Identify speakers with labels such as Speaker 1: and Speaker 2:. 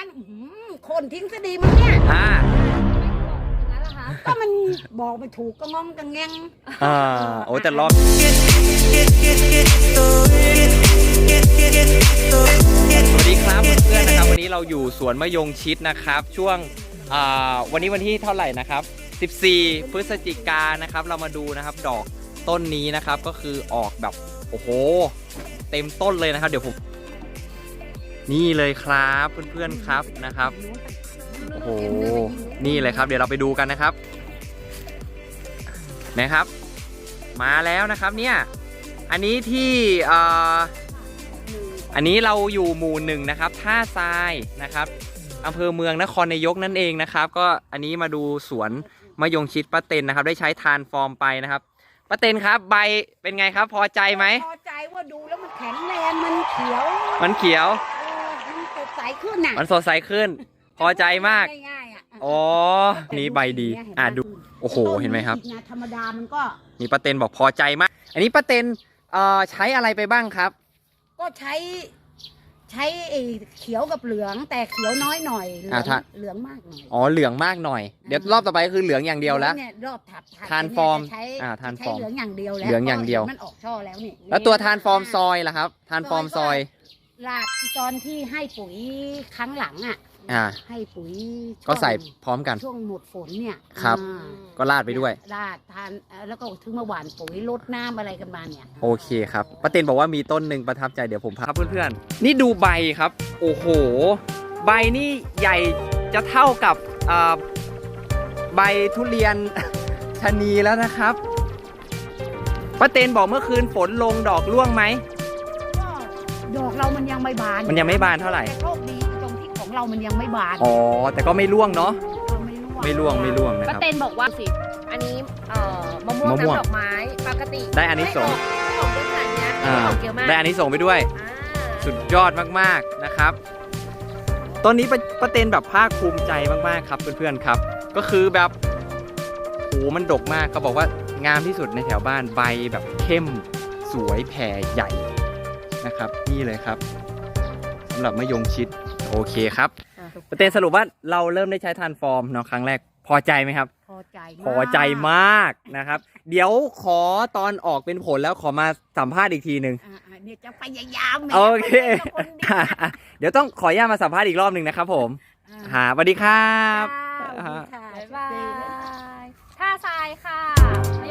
Speaker 1: นั้นโคนทิ้งซะดีมั้งเนี่ยก็มันบอกไม่ถูกก็งองกังแงง
Speaker 2: โอ้แต่รอบสวัสดีครับเพื่อนๆนะครับวันนี้เราอยู่สวนมะยงชิดนะครับช่วงวันนี้วันที่เท่าไหร่นะครับ14พฤศจิกายนนะครับเรามาดูนะครับดอกต้นนี้นะครับก็คือออกแบบโอ้โหเต็มต้นเลยนะครับเดี๋ยวผมนี่เลยครับเพื่อนๆครับนะครับโอ้โหนี่เลยครับเดี๋ยวเราไปดูกันนะครับมาแล้วนะครับเนี่ยอันนี้ที่อันนี้เราอยู่หมู่1นะครับท่าทรายนะครับอำเภอเมืองนครนายกนั่นเองนะครับก็อันนี้มาดูสวนมะยงชิดป้าเต็นนะครับได้ใช้ทานฟอร์มไปนะครับป้าเต็นครับใบเป็นไงครับพอใจไหม
Speaker 1: พอใจว่าดูแล้วมันแข็งแรงมันเขียว
Speaker 2: มัน
Speaker 1: สดใสขึ้นน่ะ
Speaker 2: มันสดใสขึ้นพอใจมาก
Speaker 1: ง่ายๆ
Speaker 2: อ๋อนี่ใบดีดูโอ้โหเห็นไหมครับ
Speaker 1: ธรรมดามันก็
Speaker 2: นี่ป้าเต็นบอกพอใจมากอันนี้ป้าเต็นใช้อะไรไปบ้างครับ
Speaker 1: ก็ใช้เขียวกับเหลืองแต่เขียวน้อยหน่อยเหลืองมากหน่อย
Speaker 2: อ๋อเหลืองมากหน่อยเดี๋ยวรอบต่อไปคือเหลืองอย่างเดียวแล้ว
Speaker 1: รอบถัด
Speaker 2: ทานฟอร์มทานฟอร์ม
Speaker 1: เหลืองอย่างเดียวแล้ว
Speaker 2: เหลืองอย่างเดียว
Speaker 1: มันออกช่อแล้วนี่
Speaker 2: แล้วตัวทานฟอร์มซอยล่ะครับทานฟอร์มซอย
Speaker 1: ลาดตอนที่ให้ปุ๋ยครั้งหลังให้ปุ๋ย
Speaker 2: ก็ใส่พร้อมกัน
Speaker 1: ช่วงหมดฝนเนี่ย
Speaker 2: ครับก็ราดไปด้วย
Speaker 1: ราดทานแล้วก็ถึงมาหว่านปุ๋ยลดน้ำอะไรกันมาเนี่ย
Speaker 2: โอเคครับป้าเต็นบอกว่ามีต้นหนึ่งประทับใจเดี๋ยวผมพาเพื่อนๆนี่ดูใบครับโอ้โหใบนี่ใหญ่จะเท่ากับใบทุเรียนชะนีแล้วนะครับป้าเต็นบอกเมื่อคืนฝนลงดอกร่วงไหม
Speaker 1: ดอกเรามันยังไม่บาน
Speaker 2: มันยังไม่บานเท่าไหร่
Speaker 1: แต่โชคดีตรงที่ของเรามันยังไม่บาน
Speaker 2: อ๋อแต่ก็ไม่ร่วงเนาะไม่ร่วงนะค
Speaker 3: รับป้าเต็นบอกว่าสิอันนี้มะม่วงน้ำดอกไม้ปกติ
Speaker 2: ได้อันนี้ส่ง
Speaker 3: ของด้วยขนาดนี้เยอะมาก
Speaker 2: ได้อันนี้ส่งไปด้วยสุดยอดมากๆนะครับต้นนี้ป้าเต็นแบบภาคภูมิใจมากๆครับเพื่อนๆครับก็คือแบบโหมันดกมากเขาบอกว่างามที่สุดในแถวบ้านใบแบบเข้มสวยแผ่ใหญ่นะครับนี่เลยครับสำหรับมะยงชิดโอเคครับป้าเต็นสรุปว่าเราเริ่มได้ใช้ทานฟอร์มเนาะครั้งแรกพอใจไหมครับ
Speaker 1: พอ
Speaker 2: ใจมากนะครับเดี๋ยวขอตอนออกเป็นผลแล้วขอมาสัมภาษณ์อีกทีหนึ่ง
Speaker 1: เนี่ยจะพยายาม
Speaker 2: โอเคเดี๋ยวต้องขออนุญาตมาสัมภาษณ์อีกรอบหนึ่งนะครับผมสวัสดีครับ
Speaker 3: บ๊ายบายท่าทรายค่ะ